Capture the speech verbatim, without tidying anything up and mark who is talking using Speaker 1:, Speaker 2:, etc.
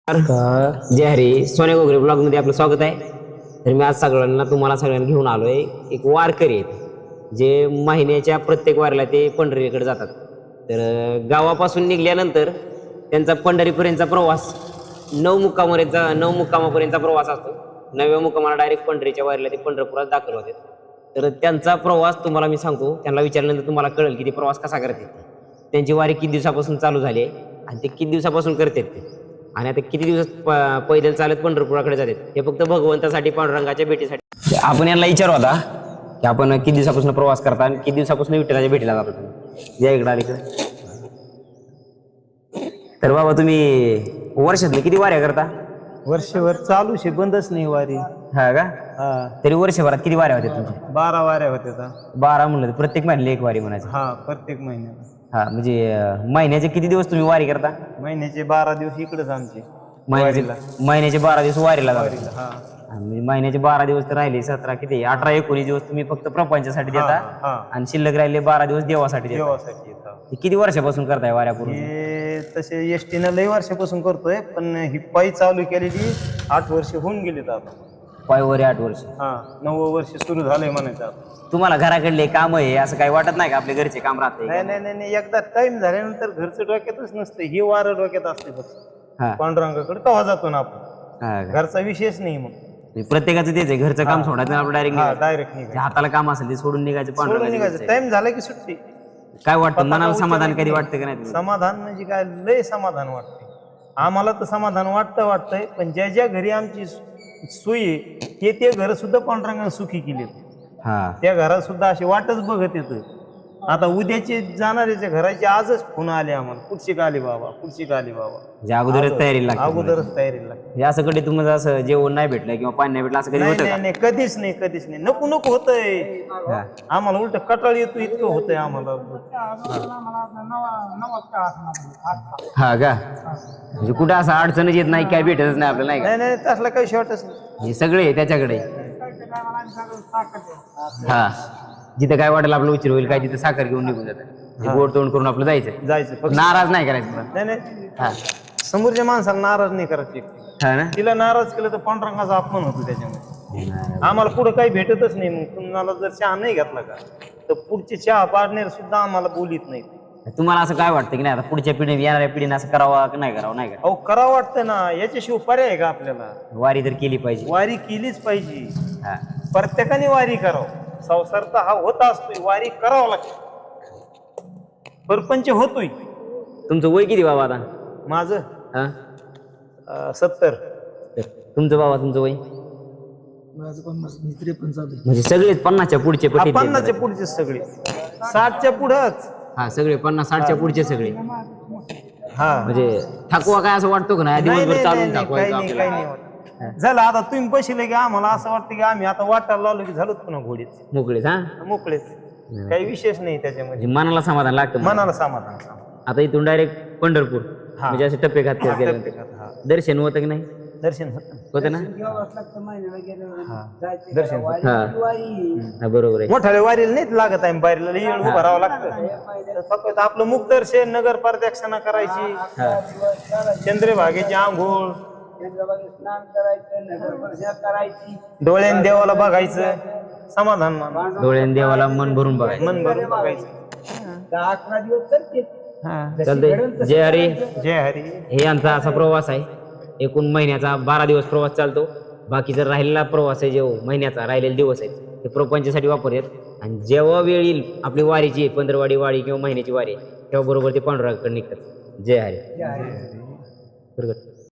Speaker 1: जय हरी. सोन्या गोगरे ब्लॉग मध्ये आपलं स्वागत आहे. तर मी आज सगळ्यांना तुम्हाला सगळ्यांना घेऊन आलोय. एक वारकरी आहेत जे महिन्याच्या प्रत्येक वारीला ते पंढरीकडे जातात. तर अं, गावापासून निघाल्यानंतर त्यांचा पंढरीपर्यंतचा प्रवास नऊ मुक्कामापर्यंतचा नऊ मुक्कामापर्यंतचा प्रवास असतो. नवव्या मुक्कामाला डायरेक्ट पंढरीच्या वारीला ते पंढरपुरात दाखल होतात. तर त्यांचा प्रवास तुम्हाला मी सांगतो. त्यांना विचारल्यानंतर तुम्हाला कळेल की ते प्रवास कसा करतात. त्यांची वारी किती दिवसापासून चालू झाली आहे आणि ते किती दिवसापासून करतात ते, आणि आता किती दिवस प- पैदल चालत पंढरपुराकडे जातात हे फक्त भगवंतासाठी, पांडुरंगाच्या भेटीसाठी. आपण यांना विचारू आता की आपण किती दिवसापासून प्रवास करता आणि किती दिवसापासून विठ्ठलाच्या भेटीला जाता तुम्ही. या इकडे आले इकडे. तर बाबा तुम्ही वर्षातले किती वाऱ्या करता?
Speaker 2: वर्षभर चालू शे बंदच नाही वारी.
Speaker 1: हा का?
Speaker 2: हा
Speaker 1: तरी वर्षभरात किती वाऱ्या होत्या तुमच्या?
Speaker 2: बारा वाऱ्या होत्या.
Speaker 1: बारा म्हणलं तर प्रत्येक महिन्याला एक वारी म्हणायचं.
Speaker 2: हा प्रत्येक महिन्याला.
Speaker 1: हा म्हणजे अं, महिन्याचे किती दिवस तुम्ही वारी करता?
Speaker 2: महिन्याचे बारा दिवस इकडेच आमचे
Speaker 1: महिन्याचे महिन्याचे बारा दिवस वारीला जाता.
Speaker 2: वारीला. हा
Speaker 1: म्हणजे महिन्याचे बारा दिवस तर राहिले, सतरा किती अठरा एकोणीस दिवस तुम्ही फक्त प्रपंचासाठी देता
Speaker 2: हा
Speaker 1: आणि शिल्लक राहिले बारा दिवस देवासाठी देता.
Speaker 2: देवासाठी येतात.
Speaker 1: हे किती वर्षापासून करताय वाऱ्या पूर्ण?
Speaker 2: हे तसे एस टीनं लई वर्षापासून करतोय, पण ही पायी चालू केलेली आठ वर्ष होऊन गेलीत आता.
Speaker 1: पायवरी आठ वर्ष.
Speaker 2: हा नववं वर्ष सुरू झालंय म्हणायचं आता.
Speaker 1: तुम्हाला घराकडले काम आहे असं काही वाटत नाही का? आपले घरचे काम
Speaker 2: नाही
Speaker 1: राहते?
Speaker 2: नाही नाही नाही, एकदा टाइम झाल्यानंतर घरचं डोक्यातच नसतं, ही वारं डोक्यात असते फक्त.
Speaker 1: हा
Speaker 2: पांडुरंगाकडे केव्हा जातो ना आपण,
Speaker 1: हा का?
Speaker 2: घरचा विषयच नाही मग.
Speaker 1: म्हणजे प्रत्येकाचं तेच आहे, घरचं काम सोडायचं आणि आपलं
Speaker 2: हा
Speaker 1: डायरेक्ट
Speaker 2: डायरेक्ट निघायचं.
Speaker 1: हाताला काम असेल ते सोडून निघायचं.
Speaker 2: सोडून
Speaker 1: पांढरा
Speaker 2: निघायचं. टाइम झाला की सुट्टी.
Speaker 1: काय वाटतं मनाला
Speaker 2: पताका
Speaker 1: समाधान
Speaker 2: उचलून
Speaker 1: कधी वाटतं का नाही तुम्हाला?
Speaker 2: समाधान म्हणजे काय, लय समाधान वाटते आम्हाला. तर समाधान वाटतं वाटतंय, पण ज्या ज्या घरी आमची सोयी आहे, ते ते घर सुद्धा पांडुरंगाने सुखी केले.
Speaker 1: हा
Speaker 2: त्या घरात सुद्धा अशी वाटच बघत येतं. आता उद्याचे जाणाऱ्याच्या घराचे आजच फोन आले आम्हाला, पुढची का आली बाबा, पुढची का आली बाबा.
Speaker 1: म्हणजे अगोदरच तयारी लागते.
Speaker 2: अगोदरच तयारीला लागते.
Speaker 1: म्हणजे असं कधी तुम्हाला असं जेवण नाही भेटलं किंवा पाणी नाही भेटलं असं कधी
Speaker 2: नाही
Speaker 1: होतं
Speaker 2: नाही
Speaker 1: का?
Speaker 2: नाही, कधीच नाही कधीच नाही. नको नको होतंय
Speaker 1: हा.
Speaker 2: आम्हाला, उलट कटाळ येतो इतकं होतंय आम्हाला.
Speaker 1: हा का? म्हणजे कुठं असं अडचणच येत नाही, काय भेटतच नाही आपल्याला, नाही का?
Speaker 2: नाही नाही तसला काही शॉर्टच नाही.
Speaker 1: हे सगळे आहे त्याच्याकडे. हा जिथं काय वाटेल आपलं उशीर होईल काय तिथं साखर घेऊन निघून जातं. गोड तोंड करून आपलं जायचं.
Speaker 2: जायचं फक्त.
Speaker 1: नाराज नाही करायचं पण.
Speaker 2: नाही नाही,
Speaker 1: हा
Speaker 2: समोरच्या माणसाला नाराज नाही करायची.
Speaker 1: हा ना.
Speaker 2: तिला नाराज केलं तर पांडुरंगाचा अपमान होतो त्याच्यामध्ये. आम्हाला पुढे काही भेटतच नाही. मग तुम्हाला जर चहा नाही घेतला का, तर पुढचे चहा पाडणार सुद्धा आम्हाला बोलीत नाही.
Speaker 1: तुम्हाला असं काय वाटतं की नाही आता पुढच्या पिढी येणाऱ्या पिढीने असं करावं की नाही करावं? नाही का?
Speaker 2: अहो करावं वाटतं ना, याच्याशिवाय पर्याय आहे का आपल्याला?
Speaker 1: वारी तर केली पाहिजे.
Speaker 2: वारी केलीच पाहिजे.
Speaker 1: हा
Speaker 2: प्रत्येकाने वारी करावं. संसार तर हा होत असतोय, वारी करावं लागतं. परपंच होतोय.
Speaker 1: तुमचं वय किती बाबा आता?
Speaker 2: माझं
Speaker 1: हा
Speaker 2: अं, सत्तर.
Speaker 1: तर तुमचं बाबा, तुमचं वय?
Speaker 2: माझं पन्नास त्रेपन्न चालू.
Speaker 1: म्हणजे सगळेच पन्नासच्या पुढचे पटीत आहेत.
Speaker 2: पन्नासच्या पुढचे सगळे, साठच्या पुढंच.
Speaker 1: हा सगळे पन्नास साठच्या पुढचे सगळे.
Speaker 2: हा
Speaker 1: म्हणजे थकवा काय असं वाटतो का नाही?
Speaker 2: नाही
Speaker 1: दिवसभर
Speaker 2: नाही
Speaker 1: चालून
Speaker 2: नाही, काही
Speaker 1: थकवायचं
Speaker 2: नाही काही
Speaker 1: आपल्याला.
Speaker 2: नाही वाटत. झालं आता तुम्ही बसले की आम्हाला असं वाटतं की आम्ही आता वाटायला लावलो की झालो पुन्हा घोडीच
Speaker 1: मोकळेच. हा
Speaker 2: मोकळेच. काही विशेष नाही त्याच्यामध्ये.
Speaker 1: म्हणजे मनाला समाधान लागतं.
Speaker 2: मनाला समाधान समाधान.
Speaker 1: आता इथून डायरेक्ट पंढरपूर,
Speaker 2: हा.
Speaker 1: म्हणजे असे टप्पे घात गेले.
Speaker 2: हा.
Speaker 1: दर्शन होतं की नाही?
Speaker 2: दर्शन होतं.
Speaker 1: होतं ना?
Speaker 2: हा. दर्शन होतं.
Speaker 1: हा हा, बरोबर आहे.
Speaker 2: मोठ्या वारीला नाहीच लागत आहे, बाहेरला येऊन उभं राहावं लागतं. फक्त आपलं मुख दर्शन, नगर प्रदक्षिणा करायची,
Speaker 1: हा
Speaker 2: चंद्रभागेची आंघोळ, डोळ्यान देवाला बघायचं, समाधान मानायचं.
Speaker 1: डोळ्याने देवाला मन भरून बघायचं.
Speaker 2: मन भरून बघायचं. हा.
Speaker 1: चालतंय. जय हरी.
Speaker 2: जय हरी.
Speaker 1: हे आमचा असा प्रवास आहे. एकूण महिन्याचा बारा दिवस प्रवास चालतो. बाकीचा राहिलेला प्रवास आहे, जो महिन्याचा राहिलेले दिवस आहेत ते प्रपंचासाठी वापरतात. आणि जेव्हा वेळ येईल आपली वारीची, पंधरवाडी वारी किंवा महिन्याची वारी, तेव्हा बरोबर ते पांडुरंगाकडे निघतात. जय हरी. प्रगट.